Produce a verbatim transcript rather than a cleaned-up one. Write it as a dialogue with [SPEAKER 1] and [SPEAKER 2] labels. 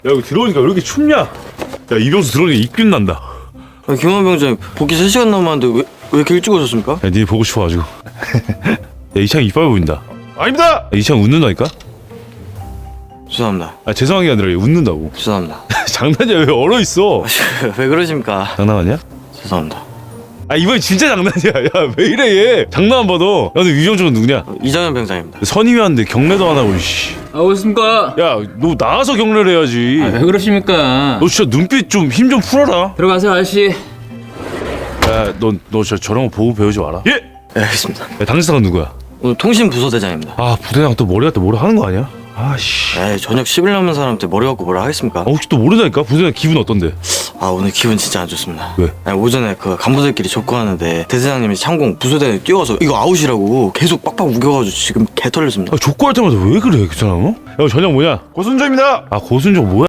[SPEAKER 1] 야 이거 들어오니까 왜 이렇게 춥냐? 야 이병수 들어오니까 입균 난다.
[SPEAKER 2] 아, 김한 병장님 복귀 세 시간 남았는데 왜, 왜 이렇게 일찍 오셨습니까?
[SPEAKER 1] 야 니 보고 싶어가지고. 야 이창 이빨 보인다. 아닙니다. 야, 이창 웃는다니까?
[SPEAKER 2] 죄송합니다.
[SPEAKER 1] 아 죄송한 게 아니라 얘 웃는다고.
[SPEAKER 2] 죄송합니다.
[SPEAKER 1] 장난이야 왜 얼어 있어?
[SPEAKER 2] 왜 그러십니까?
[SPEAKER 1] 장난하냐?
[SPEAKER 2] 죄송합니다.
[SPEAKER 1] 아 이번엔 진짜 장난이야. 야 왜 이래 얘? 장난 안 받아. 야 근데 위정적은 누구냐?
[SPEAKER 2] 이장현 병장입니다.
[SPEAKER 1] 선임이었는데 경례도 안 하고 씨.
[SPEAKER 3] 아, 오셨습니까?
[SPEAKER 1] 야 너 나가서 경례를 해야지.
[SPEAKER 3] 아, 왜 그러십니까?
[SPEAKER 1] 너 진짜 눈빛 좀 힘 좀 풀어라.
[SPEAKER 3] 들어가세요, 아저씨.
[SPEAKER 1] 야너 너 저 저런 거 보고 배우지 마라. 예?
[SPEAKER 2] 네, 알겠습니다.
[SPEAKER 1] 야 당신상은 누구야?
[SPEAKER 2] 오늘 통신부서대장입니다.
[SPEAKER 1] 아 부대장 또 머리 갖다 뭐라 하는 거 아니야? 아씨.
[SPEAKER 2] 에이, 저녁 십 일 남은 사람한테 머리 갖고 뭐라 하겠습니까?
[SPEAKER 1] 아, 혹시 또 모르다니까? 부대장 기분 어떤데?
[SPEAKER 2] 아, 오늘 기분 진짜 안 좋습니다.
[SPEAKER 1] 왜?
[SPEAKER 2] 아니, 오전에 그 간부들끼리 족구하는데 대대장님이 창공 부서대에 뛰어와서 이거 아웃이라고 계속 빡빡 우겨가지고 지금 개 털렸습니다.
[SPEAKER 1] 아 족구할 때마다 왜 그래 그 사람? 어? 야 저녁 뭐냐? 고순조입니다. 아 고순조 뭐야?